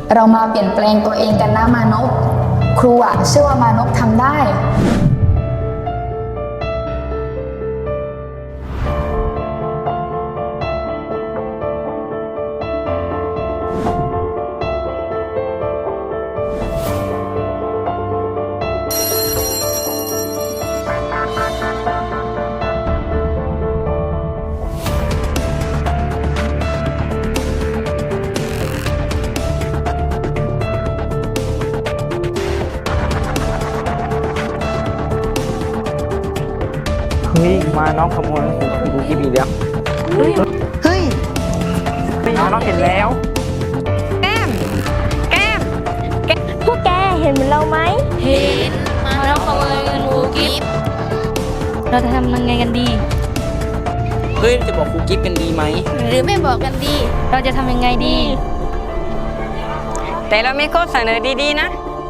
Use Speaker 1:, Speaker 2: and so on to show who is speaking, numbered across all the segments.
Speaker 1: เรามาเปลี่ยนแปลงตัวเองกันนะมานพครูเชื่อว่ามานพทำได้
Speaker 2: เฮ้ยมาน้องขโมยดูกีบีแล้ว
Speaker 1: เฮ้ย
Speaker 2: มาน้องเห็นแล้ว
Speaker 3: แก้มพวกแกเห็นเหมือนเราไหม
Speaker 4: เห็นมาแล้วขโมยเงินครูกิฟต์
Speaker 3: เราจะทำยังไงกันดี
Speaker 2: เฮ้ยจะบอกครูกิฟกันดีไหม
Speaker 4: หรือไม่บอกกันดี
Speaker 3: เราจะทำยังไงดี
Speaker 5: แต่เรามีข้อเสนอดีๆนะ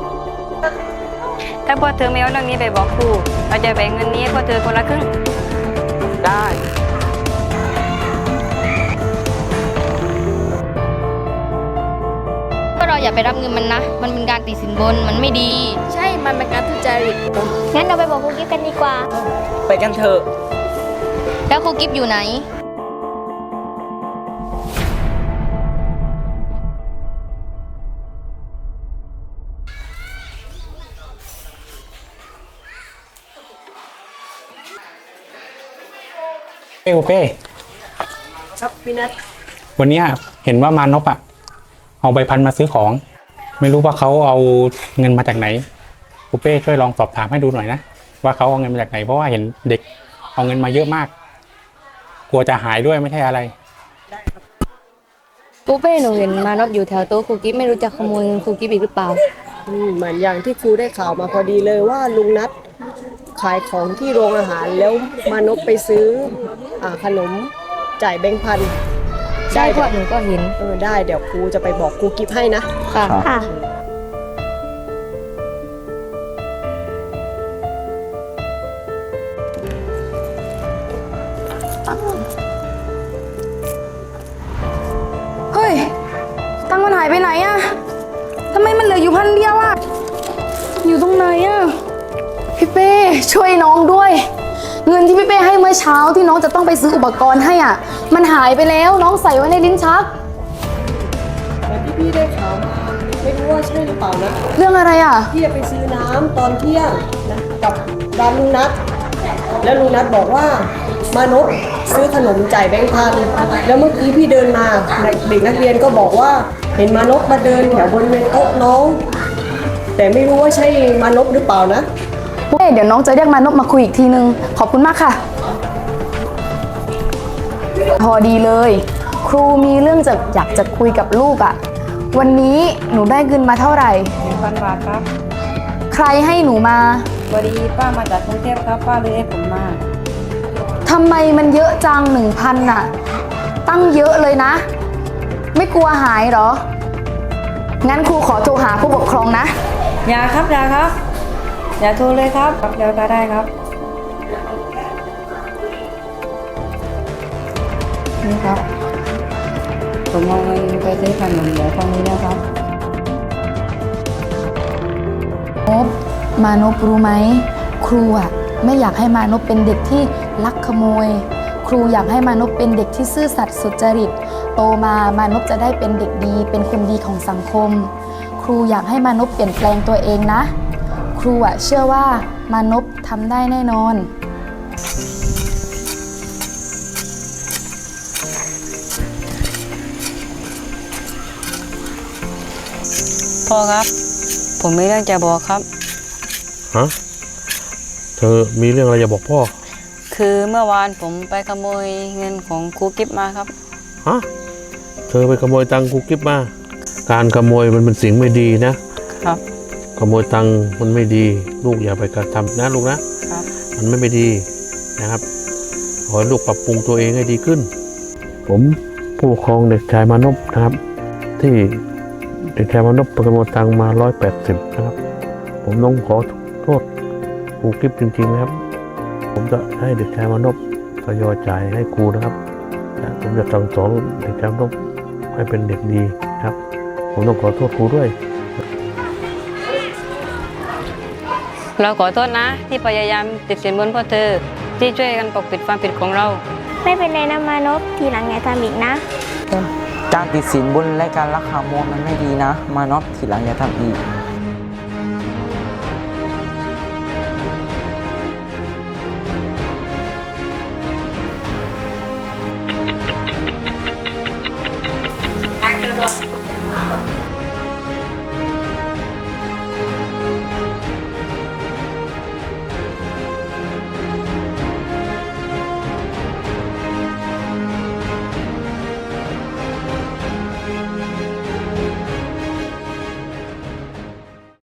Speaker 5: ถ้าพวกเธอไม่เอาเรื่องนี้ไปบอกครู เราจะแบ่งเงินนี้ให้พวกเธอคนละครึ่ง
Speaker 2: ได้
Speaker 3: ก็เราอย่าไปรับเงินมันนะ มันเป็นการติดสินบน มันไม่ดี
Speaker 4: ใช่ มันเป็นการทุจริต
Speaker 3: งั้นเราไปบอกครูกิฟกันดีกว่า
Speaker 2: ไปกันเถอะ
Speaker 3: แล้วครูกิฟอยู่ไหน
Speaker 6: โอเป้ครับพี่นัทวันนี้เห็นว่ามานพเอาใบพันมาซื้อของ ไม่รู้ว่าเขาเอาเงินมาจากไหนโอเป้ช่วยลองสอบถามให้ดูหน่อยนะว่าเขาเอาเงินมาจากไหนเพราะว่าเห็นเด็กเอาเงินมาเยอะมาก กลัวจะหายด้วยไม่ใช่อะไร
Speaker 3: ปูเป้หนูเห็นมานพอยู่แถวโต๊ะครูกิฟไม่รู้จะขโมยเงินครูกิฟอีกหรือเปล่า
Speaker 7: เหมือนอย่างที่ครูได้ข่าวมาพอดีเลยว่าลุงนัทขายของที่โรงอาหารแล้วมานพไปซื้อขนมจ่ายแบงค์พัน
Speaker 3: ใช่พวกหนูก็เห็น
Speaker 7: ได้เดี๋ยวครูจะไปบอกครูกิฟให้นะ
Speaker 3: ค่ะ
Speaker 1: เฮ้ย ตังค์มันหายไปไหนอะทำไมมันเหลืออยู่1,000 เดียวอะอยู่ตรงไหนอะพี่เป้ช่วยน้องด้วย เงินที่พี่เป้ให้เมื่อเช้าที่น้องจะต้องไปซื้ออุปกรณ์ให้มันหายไปแล้วน้องใส่ไว้ในลิ้นชัก
Speaker 7: แต่ที่พี่ได้ข่าวมาไม่รู้ว่าใช่หรือเปล่านะ
Speaker 1: เรื่องอะไรอะ
Speaker 7: พี่จะไปซื้อน้ำตอนเที่ยงนะกับร้านลุงนัทแล้วลุงนัทบอกว่ามานพซื้อขนมจ่ายแบงค์พันแล้วเมื่อกี้พี่เดินมาเด็กนักเรียนก็บอกว่าเห็นมานพมาเดินแถวบริเวณโต๊ะน้อง แต่ไม่รู้ว่าใช่มานพหรือเปล่านะ
Speaker 1: เดี๋ยวน้องจะเรียกมานพมาคุยอีกทีนึงขอบคุณมากค่ะ พอดีเลย ครูมีเรื่องอยากจะคุยกับลูกวันนี้หนูได้เงินมาเท่าไหร่
Speaker 5: 1,000 บาทครับ
Speaker 1: ใครให้หนูมา
Speaker 5: พอดีป้ามาจากกรุงเทพครับ ป้าเลยให้ผมมา
Speaker 1: ทำไมมันเยอะจัง 1,000ตั้งเยอะเลยนะ ไม่กลัวหายเหรอ งั้นครูขอโทรหาผู้ปกครองนะ
Speaker 5: อย่าครับ อย่าโทรเลยครับเดี๋ยวก็ได้ครับ นี่ครับ ผมเอาเงินไปซื้อขนมเดี๋ยวตรงนี้นะครับ
Speaker 1: มานพรู้ไหมครูไม่อยากให้มานพเป็นเด็กที่ลักขโมย ครูอยากให้มานพเป็นเด็กที่ซื่อสัตย์สุจริตโตมามานพจะได้เป็นเด็กดีเป็นคนดีของสังคม ครูอยากให้มานพเปลี่ยนแปลงตัวเองนะ ครูเชื่อว่ามานพทำได้แน่นอน
Speaker 5: พ่อครับ ผมมีเรื่องจะบอกครับ
Speaker 8: ฮะ เธอมีเรื่องอะไรจะบอกพ่อ
Speaker 5: คือเมื่อวานผมไปขโมยเงินของครูกิฟมาครับ
Speaker 8: ฮะ เธอไปขโมยตังค์ครูกิฟมา การขโมยมันเป็นสิ่งไม่ดีนะ
Speaker 5: ครับ
Speaker 8: ขโมยตังค์มันไม่ดี ลูกอย่าไปกระทำนะลูกนะ
Speaker 5: ครับ
Speaker 8: มันไม่ดีนะครับ ขอให้ลูกปรับปรุงตัวเองให้ดีขึ้น ผมผู้ปกครองเด็กชายมานพนะครับ ที่เด็กชายมานพไปขโมยตังค์มา180นะครับ ผมต้องขอโทษครูกิฟจริงๆนะครับ ผมจะให้เด็กชายมานพทยอยจ่ายให้ครูนะครับ ผมจะสั่งสอนเด็กชายมานพให้เป็นเด็กดีครับผมต้องขอโทษครูด้วย
Speaker 3: เราขอโทษนะ ที่พยายามติดสินบนพ่อเธอที่ช่วยกันปกปิดความผิดของเรา
Speaker 9: ไม่เป็นไรนะมานพทีหลังอย่าทำอีกนะ
Speaker 2: การติดสินบนและการลักขโมยมันไม่ดีนะ มานพทีหลังอย่าทำอีก